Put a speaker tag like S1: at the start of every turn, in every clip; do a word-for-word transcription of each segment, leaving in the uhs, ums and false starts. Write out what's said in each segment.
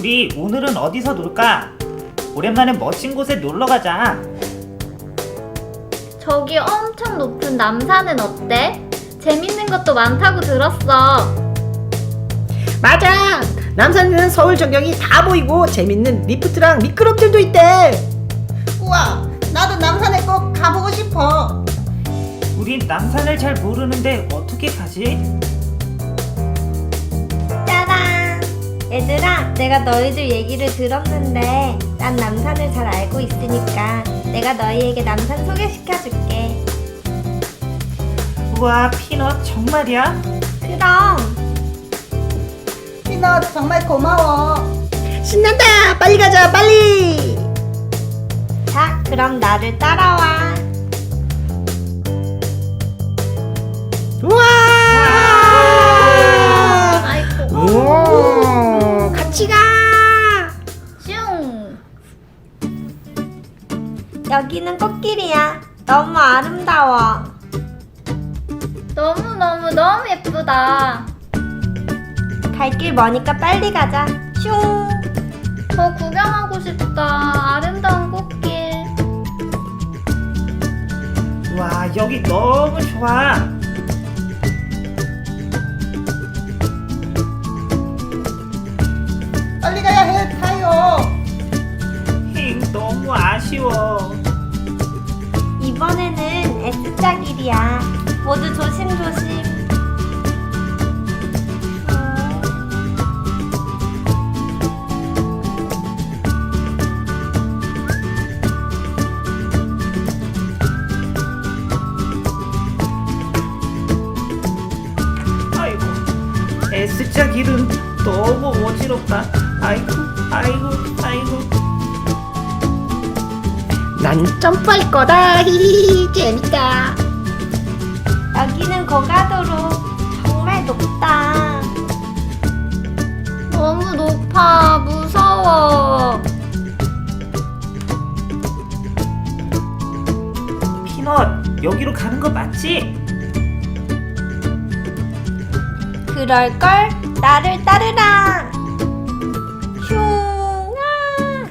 S1: 우리 오늘은 어디서 놀까? 오랜만에 멋진 곳에 놀러 가자.
S2: 저기 엄청 높은 남산은 어때? 재밌는 것도 많다고 들었어.
S3: 맞아! 남산에는 서울 전경이 다 보이고 재밌는 리프트랑 미끄럼틀도 있대.
S4: 우와, 나도 남산에 꼭 가보고 싶어.
S1: 우린 남산을 잘 모르는데 어떻게 가지?
S5: 짜란! 얘들아, 내가 너희들 얘기를 들었는데 난 남산을 잘 알고 있으니까 내가 너희에게 남산 소개시켜줄게.
S1: 우와, 피넛 정말이야?
S5: 그럼!
S4: 피넛 정말 고마워.
S3: 신난다! 빨리 가자, 빨리!
S5: 자, 그럼 나를 따라와.
S3: 우와!
S2: 아이고.
S3: 오, 같이 가!
S2: 슝.
S5: 여기는 꽃길이야. 너무 아름다워.
S2: 너무너무너무 예쁘다.
S5: 갈 길 머니까 빨리 가자. 슝!
S2: 더 구경하고 싶다. 아름다운 꽃길.
S1: 우와, 여기 너무 좋아.
S4: 빨리 가야 해, 타요.
S1: 힝, 너무 아쉬워.
S5: 이번에는 S자 길이야. 모두 조심조심.
S1: 아이고, S자 길은 너무 어지럽다. 아이고, 아이고, 아이고.
S3: 난 점프할 거다. 히히, 재밌다.
S5: 여기는 고가도로. 정말 높다.
S2: 너무 높아. 무서워.
S1: 피넛, 여기로 가는 거 맞지?
S5: 그럴걸? 나를 따르라. 슝! 아!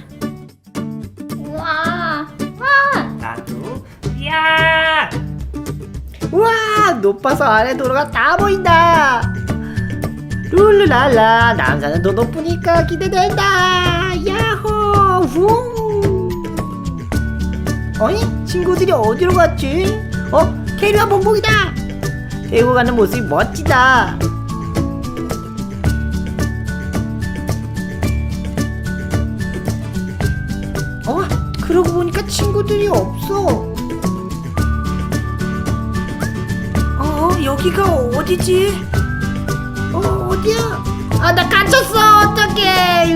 S2: 우와. 와.
S1: 나도, 야!
S3: 우와, 높아서 아래 도로가 다 보인다. 룰루랄라, 남산은 더 높으니까 기대된다. 야호! 후! 어이? 친구들이 어디로 갔지? 어? 캐리와 봉봉이다. 데리고 가는 모습이 멋지다. 어? 그러고 보니까 친구들이 없어. 어, 여기가 어디지? 어, 어디야? 아, 나 갇혔어. 어떡해.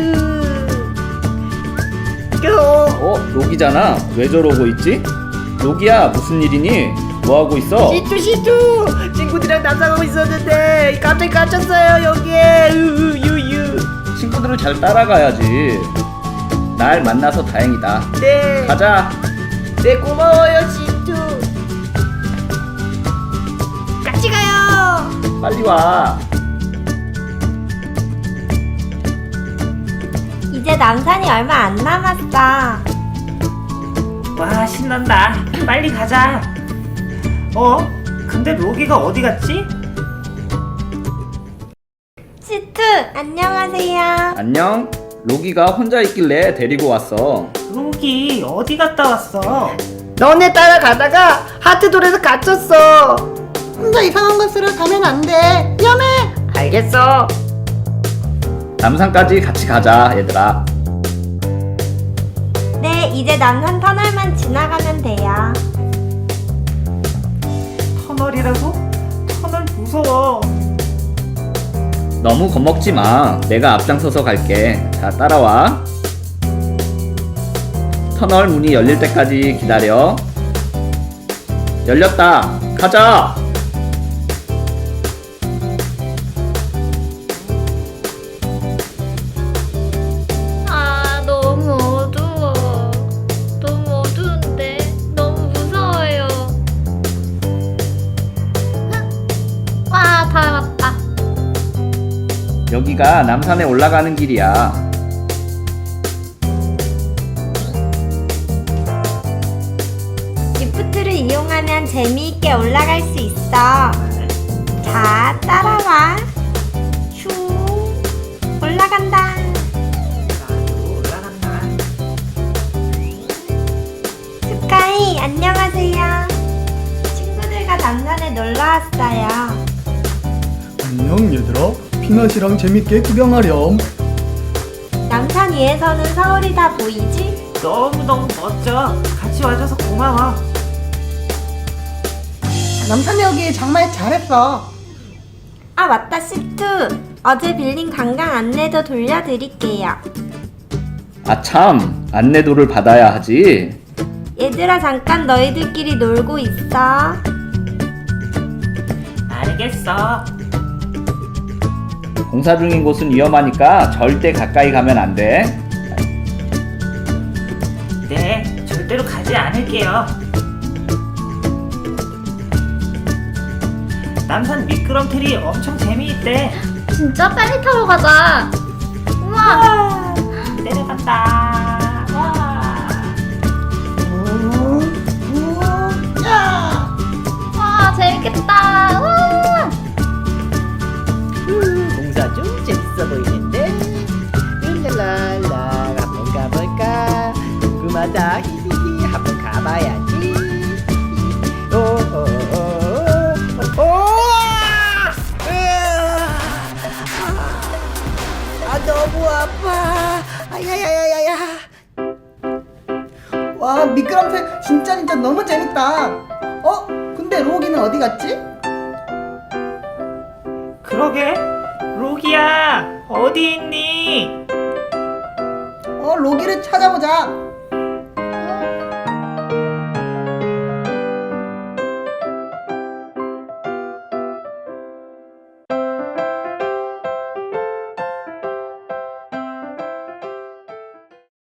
S3: 으. 어,
S6: 어? 로기잖아. 왜 저러고 있지? 로기야, 무슨 일이니? 뭐 하고 있어?
S3: 시투 시투. 친구들이랑 남상하고 있었는데 갑자기 갇혔어요 여기에. 으, 유유.
S6: 친구들을 잘 따라가야지. 날 만나서 다행이다.
S3: 네.
S6: 가자.
S3: 네, 고마워요 시투. 같이 가요.
S6: 빨리 와.
S5: 이제 남산이 얼마 안 남았어.
S1: 와, 신난다. 빨리 가자. 어? 근데 로기가 어디 갔지?
S5: 시투, 안녕하세요.
S6: 안녕. 로기가 혼자 있길래 데리고 왔어.
S1: 로기 어디 갔다 왔어?
S3: 너네 따라가다가 하트돌에서 갇혔어.
S4: 혼자 이상한 곳으로 가면 안 돼. 위험해.
S3: 알겠어.
S6: 남산까지 같이 가자, 얘들아.
S5: 네, 이제 남산 터널만 지나가면 돼요.
S1: 터널이라고? 터널 무서워.
S6: 너무 겁먹지 마. 내가 앞장서서 갈게. 자, 따라와. 터널 문이 열릴 때까지 기다려. 열렸다. 가자.
S2: 아, 너무 어두워. 너무 어두운데. 너무 무서워요. 와, 다 왔다.
S6: 여기가 남산에 올라가는 길이야.
S5: 재미있게 올라갈 수 있어. 자, 따라와. 슝. 올라간다.
S1: 올라간다.
S5: 스카이, 안녕하세요. 친구들과 남산에 놀러 왔어요.
S7: 안녕 얘들아. 피넛이랑 재밌게 구경하렴.
S5: 남산 위에서는 서울이 다 보이지?
S1: 너무너무 멋져. 같이 와줘서 고마워.
S4: 남산에 오기 정말 잘했어.
S5: 아, 맞다, 씨투. 어제 빌린 관광 안내도 돌려드릴게요.
S6: 아 참, 안내도를 받아야 하지.
S5: 얘들아, 잠깐 너희들끼리 놀고 있어.
S1: 알겠어.
S6: 공사 중인 곳은 위험하니까 절대 가까이 가면 안 돼.
S1: 네, 절대로 가지 않을게요. 남산 미끄럼틀이 엄청 재미있대.
S2: 진짜 빨리 타러 가자. 우와.
S1: 내려간다. 와.
S4: 우, 우, 야!
S2: 와, 재밌겠다. 우와.
S3: 음, 공사 좀 재밌어 보이는데. 룰랄랄라 한번 가볼까? 궁금하다. 히히히 한번 가봐야지. 오오오오오. 아 너무 아파. 아야야야야야.
S4: 와, 미끄럼틀 진짜 진짜 너무 재밌다. 어? 근데 로기는 어디 갔지?
S1: 그러게. 로기야, 어디 있니?
S4: 어, 로기를 찾아보자.